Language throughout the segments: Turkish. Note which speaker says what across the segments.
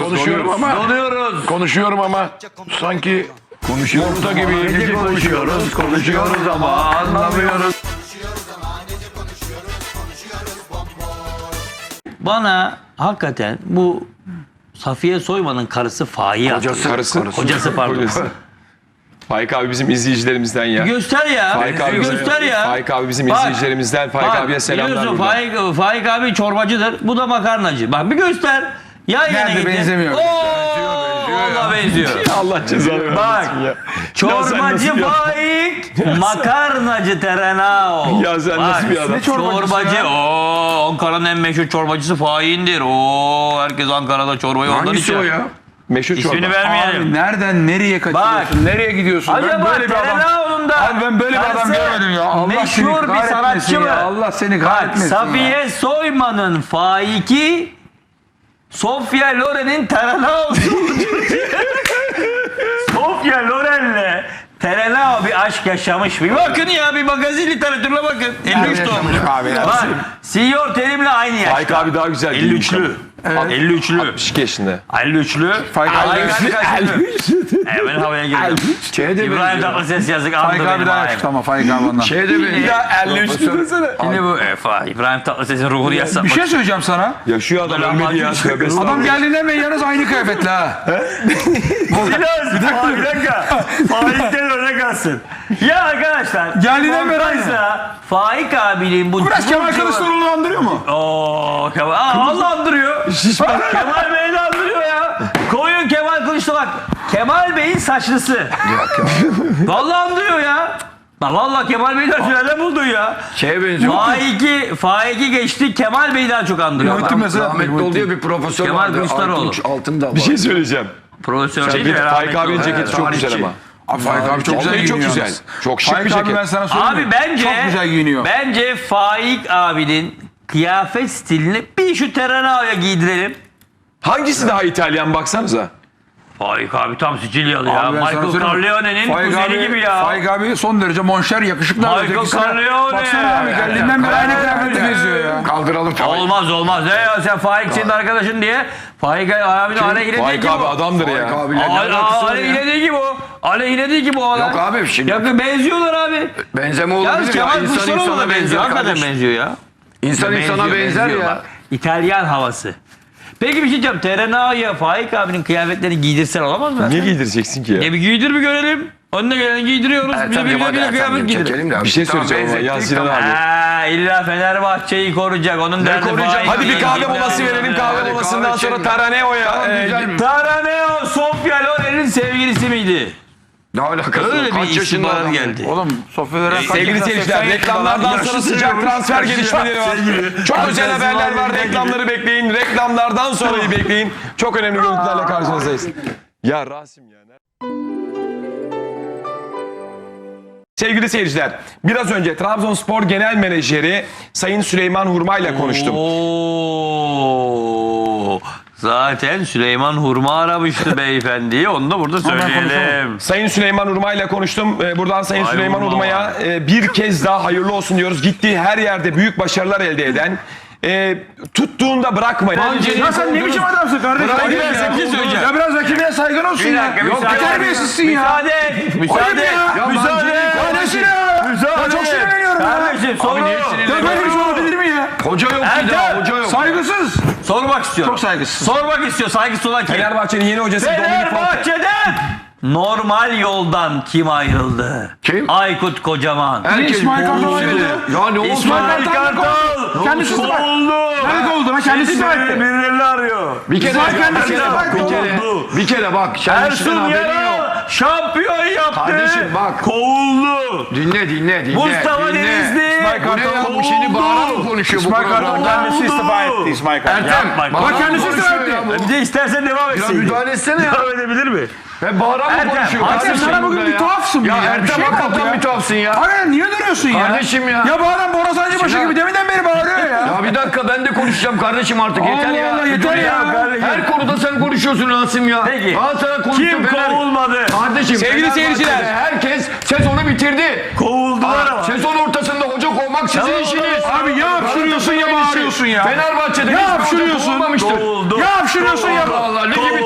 Speaker 1: Konuşuyorum ama sanki yumurta gibi konuşuyoruz ama anlamıyoruz.
Speaker 2: Bana hakikaten bu Safiye Soyman'ın karısı Faik'i Hocası pardon.
Speaker 3: Faik abi bizim izleyicilerimizden ya.
Speaker 2: Göster ya. Göster ya.
Speaker 3: Faik abi bizim izleyicilerimizden. Faik abiye selamlar buradan.
Speaker 2: Faik abi çorbacıdır. Bu da makarnacı. Bak bir göster. Ya
Speaker 4: Nerede benzemiyor?
Speaker 2: Allah benziyor.
Speaker 3: Allah cezanı vermesin
Speaker 2: Bak.
Speaker 3: ya.
Speaker 2: Çorbacı Faik, makarnacı Terenao.
Speaker 3: Ya sen nasıl bir adam?
Speaker 4: Ne çorbacısı ya?
Speaker 2: Ankara'nın en meşhur çorbacısı Faik'indir. Herkes Ankara'da çorbayı ondan
Speaker 1: Hangisi
Speaker 2: içer.
Speaker 1: o ya?
Speaker 3: Meşhur çorba.
Speaker 2: İsmini
Speaker 4: Abi
Speaker 2: vermeyelim.
Speaker 4: nereden nereye kaçıyorsun? Nereye gidiyorsun?
Speaker 2: Acaba Terenao'nun da
Speaker 4: Abi ben böyle bir adam görmedim ya. Allah seni
Speaker 2: meşhur bir
Speaker 4: kahretmesin
Speaker 2: sanatçı mı?
Speaker 4: ya. Allah seni
Speaker 2: Bak,
Speaker 4: kahretmesin ya.
Speaker 2: Safiye Soyman'ın Faik'i, Sofia Loren'in Terenao'su. Sofia Loren'le Terenao bir aşk yaşamış. Bir bakın ya, bir magazin literatürüne bakın. 53 doğmuş. Bak, Siyor Terim'le aynı yaşta.
Speaker 3: Faik abi daha güzel.
Speaker 2: 53'lü. 53'lü.
Speaker 3: 62 yaşında.
Speaker 2: 53'lü.
Speaker 4: Faik abi
Speaker 2: Hemen havaya girdim. İbrahim Tatlıses yazık.
Speaker 4: Faik abi daha yakıştı ama Faik abi ondan.
Speaker 3: Ya 53'lü desene.
Speaker 2: Şimdi bu İbrahim Tatlıses'in ruhunu yazsak.
Speaker 4: Bir şey söyleyeceğim sana.
Speaker 3: Ya şu adam ölmedi ya.
Speaker 4: Adam geldiğinde hemen yalnız aynı kıyafetle ha.
Speaker 2: Bir dakika. Faik'ten öne kalsın. Ya arkadaşlar.
Speaker 4: Geldiğinden beri aynı.
Speaker 2: Faik abinin bu...
Speaker 4: Biraz Kemal Kılıçdaroğlu'nu andırıyor mu?
Speaker 2: Kemal. Allah andırıyor. Kemal Bey'i de andırıyor ya. Koyun Kemal Kılıçdaroğlu. Bak. Kemal Bey'in saçlısı. Vallahi andırıyor ya. Vallahi Kemal Bey'i de nereden buldun ya?
Speaker 1: Şeye benziyor.
Speaker 2: Faik'i geçti, Kemal Bey'i daha çok andırıyor.
Speaker 1: Rahmetli oldu ya bir profesör
Speaker 2: Kemal
Speaker 1: vardı.
Speaker 2: Kılıçdaroğlu.
Speaker 1: Altında
Speaker 3: Bir şey söyleyeceğim.
Speaker 2: Profesör değil mi?
Speaker 3: Faik abinin ceketi çok güzel ama.
Speaker 4: Abi Faik abi çok güzel
Speaker 3: Vallahi çok
Speaker 4: giyiniyor.
Speaker 3: güzel.
Speaker 4: yalnız.
Speaker 3: Çok şık bir
Speaker 4: Faik abi ben
Speaker 3: ceket.
Speaker 4: sana söyleyeyim.
Speaker 2: Abi bence
Speaker 4: çok güzel giyiniyor.
Speaker 2: Bence Faik abinin kıyafet stilini bir şu Terenao'ya giydirelim.
Speaker 3: Hangisi daha İtalyan baksanıza.
Speaker 2: Faik abi tam Sicilyalı ya.
Speaker 4: Abi ben sana
Speaker 2: Michael
Speaker 4: söyleyeyim.
Speaker 2: Corleone'nin
Speaker 4: Faik
Speaker 2: kuzeni
Speaker 4: abi,
Speaker 2: gibi ya.
Speaker 4: Faik abi son derece monşer yakışıklı.
Speaker 2: Michael
Speaker 4: Ötekisine-
Speaker 2: Corleone.
Speaker 4: Baksana abi geldiğinden beri aynı kıyafetle geziyor ya.
Speaker 1: Kaldıralım.
Speaker 2: Olmaz. Ne ya sen Faik senin arkadaşın diye. Faik abinin aleyhine değil
Speaker 3: Faik
Speaker 2: ki
Speaker 3: abi
Speaker 2: bu.
Speaker 3: adamdır ya.
Speaker 2: Aleyhine değil ki bu. Aleyhine değil ki bu adam.
Speaker 1: Yok abi şimdi.
Speaker 2: Ya benziyorlar abi.
Speaker 1: Benzeme
Speaker 2: Yalnız
Speaker 1: olabilir ya.
Speaker 2: Kemal
Speaker 1: İnsan
Speaker 2: Kılıçdaroğlu
Speaker 1: insana
Speaker 2: da benziyor.
Speaker 1: benzer.
Speaker 2: Hakikaten
Speaker 1: kardeşim.
Speaker 2: benziyor ya.
Speaker 1: İnsan insana benzer ya.
Speaker 2: Bak, İtalyan havası. Peki bir şey diyeceğim. Terenao'ya Faik abinin kıyafetlerini giydirsen olamaz mı?
Speaker 3: Niye giydireceksin ki ya?
Speaker 2: Bir giydir bir görelim. Önüne geleni giydiriyoruz. Bir de kıyafet giydirelim.
Speaker 3: Bir şey söyleyeceğim ama ya Sinan abi.
Speaker 2: İlla Fenerbahçe'yi koruyacak. Onun derdi Faik.
Speaker 3: Hadi bir kahve molası verelim. Kahve molasından sonra Taraneo'ya.
Speaker 2: Taraneo Sofia Loren'in sevgilisi miydi?
Speaker 1: Ne alakası var?
Speaker 2: Öyle
Speaker 1: Kaç
Speaker 2: bir
Speaker 1: yaşında
Speaker 2: istihbarat
Speaker 1: adam
Speaker 2: geldi.
Speaker 4: Oğlum Sofyalara
Speaker 3: Sevgili seyirciler, reklamlardan sonra sıcak transfer gelişmeleri var. Çok özel haberler var. Reklamları bekleyin. Reklamlardan sonrayı bekleyin. Çok önemli görüntülerle karşınızdayız. Ya Rasim ya. Sevgili seyirciler, biraz önce Trabzonspor Genel Menajeri Sayın Süleyman Hurma ile konuştum.
Speaker 2: Zaten Süleyman Hurma aramıştı beyefendiyi. Onu da burada söyleyelim.
Speaker 3: Sayın Süleyman Hurma ile konuştum. Buradan Sayın
Speaker 2: Vay
Speaker 3: Süleyman
Speaker 2: Hurma
Speaker 3: Hurma'ya bir kez daha hayırlı olsun diyoruz. Gittiği her yerde büyük başarılar elde eden, tuttuğunda bırakmayan.
Speaker 4: Ya sen ne biçim adamsın kardeşim?
Speaker 3: Bırak
Speaker 4: Ayıp
Speaker 3: ya,
Speaker 4: ya.
Speaker 3: bir şey söyleyeceğim.
Speaker 4: Ya biraz rakibine saygın olsun ya. Yok terbiyesizsin ya.
Speaker 2: Müsaade et. Müsaade et.
Speaker 4: Müsaade et. Ya ne ya? Ya çok sinirleniyorum ya.
Speaker 2: Kardeşim soru.
Speaker 4: Ya böyle bir şey olabilir mi ya?
Speaker 1: Hoca yok bir daha. Hoca yok.
Speaker 4: Saygısız.
Speaker 2: Sormak istiyorum.
Speaker 4: Çok saygısız.
Speaker 2: Sormak istiyor. Saygısı olan kim?
Speaker 3: Fenerbahçe'nin yeni hocası Dominik Conte.
Speaker 2: Fenerbahçe'den normal yoldan kim ayrıldı?
Speaker 1: Kim?
Speaker 2: Aykut Kocaman.
Speaker 1: Herkes
Speaker 4: İsmail Kartal
Speaker 1: boğuluyor.
Speaker 4: ayrıldı.
Speaker 1: Ya ne oldu?
Speaker 2: İsmail Kartal.
Speaker 4: Kendisi de bak. Nerede oldu lan? Kendisi de bak.
Speaker 2: Birilerini arıyor.
Speaker 1: Bir kere bir kere bak. Sen işten
Speaker 2: Ersun
Speaker 1: haberin yok.
Speaker 2: Yanal şampiyon yaptı.
Speaker 1: Kardeşim bak.
Speaker 2: Kovuldu.
Speaker 1: Dinle.
Speaker 2: Mustafa
Speaker 1: dinle.
Speaker 2: Denizli.
Speaker 1: Bu ne ya? Bu şimdi bağırarak mı konuşuyor bu programda?
Speaker 4: Kendisi istifa etti İsmail Kartal.
Speaker 1: Ertem.
Speaker 2: Yapma.
Speaker 4: Bak kendisi istifa etti.
Speaker 2: Bir de istersen devam
Speaker 1: Ya
Speaker 2: etsin.
Speaker 1: müdahale etsene ya.
Speaker 2: Devam edebilir mi?
Speaker 1: Ve bağırarak mı
Speaker 2: Ertem,
Speaker 1: konuşuyor?
Speaker 2: Ertem,
Speaker 1: Kardeşim
Speaker 4: sana bugün
Speaker 1: burada
Speaker 4: bir tuhafsın
Speaker 1: ya.
Speaker 4: ya.
Speaker 1: Ya
Speaker 4: Bir şey
Speaker 1: Ertem
Speaker 4: mi oldu
Speaker 1: hakikaten
Speaker 4: ya?
Speaker 1: bir tuhafsın ya.
Speaker 4: Hayır niye duruyorsun ya?
Speaker 1: Kardeşim ya.
Speaker 4: Ya bu adam Bora Sancıbaşı
Speaker 1: Sinan.
Speaker 4: gibi deminden beri bağırıyor ya.
Speaker 1: Ya bir dakika ben de konuşacağım kardeşim artık yeter
Speaker 4: Allah
Speaker 1: ya.
Speaker 4: Allah, yeter ya.
Speaker 1: Her konuda sen konuşuyorsun Rasim ya.
Speaker 2: Peki.
Speaker 1: Galatasaray konuştu.
Speaker 2: Kim kovulmadı?
Speaker 1: Kardeşim
Speaker 3: Sevgili seyirciler.
Speaker 1: herkes sezonu bitirdi.
Speaker 2: Kovuldular ama.
Speaker 1: Sezon ortasında hoca kovmak sizin işiniz.
Speaker 4: Abi ya hapşırıyorsun ya bağırıyorsun ya.
Speaker 1: Fenerbahçe'de
Speaker 4: Ya
Speaker 1: hiçbir hoca
Speaker 4: hapşırıyorsun.
Speaker 1: kovulmamıştır.
Speaker 2: Kovuldu.
Speaker 4: Ya hapşırıyorsun ya.
Speaker 1: Allah Allah ligi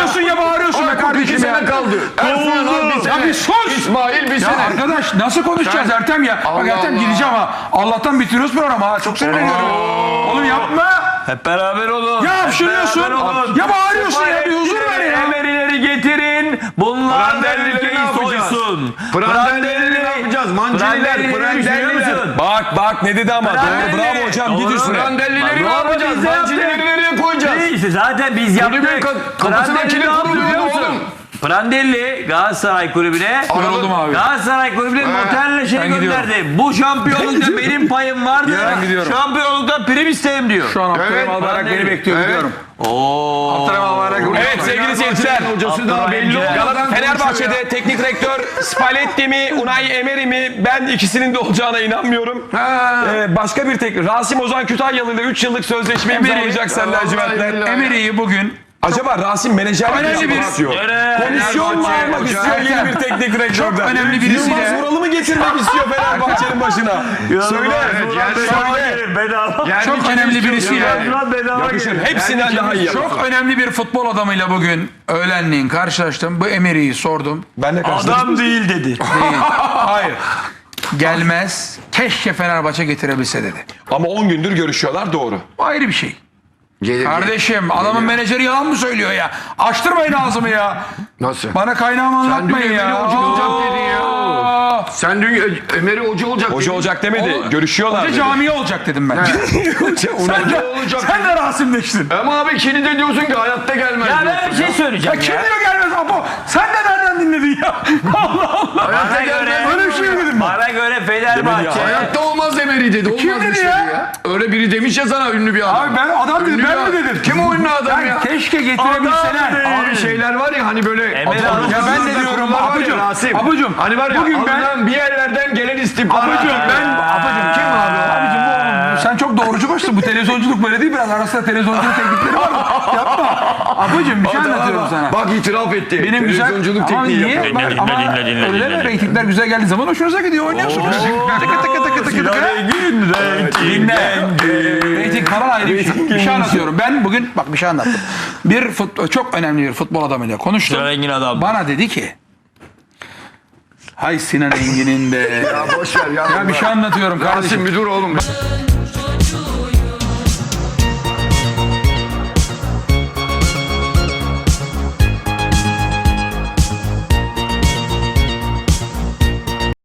Speaker 4: bağırıyorsun ya bağırıyorsun be kardeşim
Speaker 1: 2
Speaker 4: ya.
Speaker 1: sene kaldı. Ersun Yanal bir
Speaker 4: Ya
Speaker 1: sene.
Speaker 4: bir sus.
Speaker 1: İsmail bir
Speaker 4: Ya
Speaker 1: sene.
Speaker 4: arkadaş nasıl konuşacağız Ertem ya? Bak
Speaker 1: Allah
Speaker 4: Ertem
Speaker 1: Allah.
Speaker 4: gideceğim ha. Allah'tan bitiriyoruz programı ha. Çok sinirleniyorum. Oğlum yapma.
Speaker 2: Hep beraber olun.
Speaker 4: Ya
Speaker 2: Hep
Speaker 4: hapşırıyorsun.
Speaker 2: beraber olun.
Speaker 4: Ya bağırıyorsun ya. Bir huzur ver ya.
Speaker 2: Emerileri getirin. Bunlar da
Speaker 1: Prandellileri
Speaker 2: ülkeyi
Speaker 1: ne yapacağız?
Speaker 2: soysun.
Speaker 1: Prandellileri ne yapacağız? Manciniler, prandelliler.
Speaker 3: Bak ne dedi ama. Doğru bravo hocam git üstüne.
Speaker 1: Prandellileri ne
Speaker 2: Doğru,
Speaker 1: yapacağız?
Speaker 2: biz de
Speaker 1: Mancinileri
Speaker 2: yaptık.
Speaker 1: nereye koyacağız?
Speaker 2: İşte zaten biz
Speaker 1: Kulübün
Speaker 2: yaptık.
Speaker 1: kapısına
Speaker 2: Prandelli
Speaker 1: kilit
Speaker 2: ne yaptı
Speaker 1: vuruluyor
Speaker 2: biliyor musun?
Speaker 1: oğlum.
Speaker 2: Prandelli Galatasaray kulübüne
Speaker 4: Yoruldum abi.
Speaker 2: Galatasaray kulübüne noterle şey
Speaker 4: Ben gidiyorum.
Speaker 2: gönderdi. Bu şampiyonlukta benim payım vardı.
Speaker 4: Ben gidiyorum.
Speaker 2: Şampiyonlukta prim isteyim diyor.
Speaker 4: Şu an Abdurrahim Albayrak beni bekliyor. Gidiyorum. Abdurrahim Albayrak.
Speaker 3: Evet sevgili seyirciler.
Speaker 1: Hocası daha belli oldu.
Speaker 3: Fenerbahçe'de teknik direktör Spalletti mi, Unai Emery mi? Ben ikisinin de olacağına inanmıyorum. Başka bir teknik. Rasim Ozan Kütahyalı ile 3 yıllık sözleşme imzalayacak sen lacivertler.
Speaker 4: Emery'i bugün
Speaker 3: Acaba Rasim menajerlik
Speaker 4: Önemli
Speaker 3: mi
Speaker 4: bir-
Speaker 3: istiyor?
Speaker 2: Öyle.
Speaker 3: Komisyon mu almak istiyor yeni bir teknik direktörden?
Speaker 4: Çok önemli birisiyle-
Speaker 3: Yılmaz Vural'ı mı getirmek istiyor Fenerbahçe'nin başına? Söyle.
Speaker 4: çok önemli birisiyle
Speaker 3: Yakışır. Hepsinden daha iyi yapar.
Speaker 4: çok önemli bir futbol adamıyla bugün öğlenleyin karşılaştım. Bu Emery'i sordum.
Speaker 3: Ben de karşılaştım.
Speaker 2: Adam değil dedi.
Speaker 4: Değil. Hayır. Gelmez. Keşke Fenerbahçe getirebilse dedi.
Speaker 3: Ama 10 gündür görüşüyorlar doğru.
Speaker 4: Bu ayrı bir şey.
Speaker 1: Gelir.
Speaker 4: Kardeşim adamın menajeri yalan mı söylüyor ya? Açtırmayın ağzımı ya.
Speaker 1: Nasıl?
Speaker 4: Bana kaynağımı anlatmayın
Speaker 1: dün
Speaker 4: ya.
Speaker 1: Emery hoca olacak dedin ya.
Speaker 4: Aa!
Speaker 1: Sen dün Emery hoca olacak.
Speaker 3: Hoca
Speaker 1: dedin.
Speaker 3: olacak demedi.
Speaker 4: Oğlum,
Speaker 3: Görüşüyorlar
Speaker 4: Hoca
Speaker 3: dedi.
Speaker 4: camiye olacak dedim ben.
Speaker 1: Hoca olacak.
Speaker 4: Sen de rasimleştin.
Speaker 1: Ama abi kilide diyorsun ki hayatta gelmez.
Speaker 2: Ya ben
Speaker 1: diyorsun
Speaker 2: bir şey söyleyeceğim
Speaker 4: Kim
Speaker 2: ya.
Speaker 4: diyor gelmez Apo? Sen de nereden dinledin ya? Allah Allah.
Speaker 2: Bana göre,
Speaker 4: Böyle bir şey mi dedim ben?
Speaker 2: bana göre Fenerbahçe.
Speaker 1: Hayatta olmaz Emery dedi. Olmaz
Speaker 4: Kim dedi
Speaker 1: bir şey
Speaker 4: ya?
Speaker 1: ya. Öyle biri demiş ya sana ünlü bir adam.
Speaker 4: Abi ben adam dedim,
Speaker 1: Ünlü
Speaker 4: ben
Speaker 1: bir
Speaker 4: mi
Speaker 1: adam.
Speaker 4: dedim?
Speaker 1: Kim o ünlü adam ya?
Speaker 4: Keşke getirebilseler.
Speaker 1: Abi şeyler var ya hani böyle.
Speaker 2: Emery
Speaker 1: Adam-
Speaker 2: Hanım-
Speaker 4: Ya ben de diyorum Apucum. Apucum.
Speaker 1: Hani var ya
Speaker 4: Bugün ben
Speaker 1: alınan bir yerlerden gelen istihbarat.
Speaker 4: Apucum kim abi? Abicim bu sen çok doğrucu başsın. Bu televizyonculuk böyle değil biraz arasında televizyonculuk teknikleri var mı? Yapma. Apucum bir şey anlatıyorum sana.
Speaker 1: Bak itiraf etti.
Speaker 4: Benim güzel
Speaker 1: Televizyonculuk
Speaker 4: ama
Speaker 1: tekniği
Speaker 4: niye?
Speaker 1: yapıyor.
Speaker 4: Bak, ama öyle deme reytingler güzel geldiği zaman hoşunuza gidiyor oynuyorsunuz. Tıkı tıkı tıkı tıkı tıkı. Reyting falan ayrı bir şey. Bir şey anlatıyorum. Ben bugün bak bir şey anlattım. Çok önemli bir futbol adamıyla konuştum.
Speaker 2: Sinan Engin adam.
Speaker 4: Bana dedi ki hay Sinan Engin'in de.
Speaker 1: Ya boş ver ya.
Speaker 4: Ya bir şey anlatıyorum kardeşim.
Speaker 1: Rasim bir dur oğlum.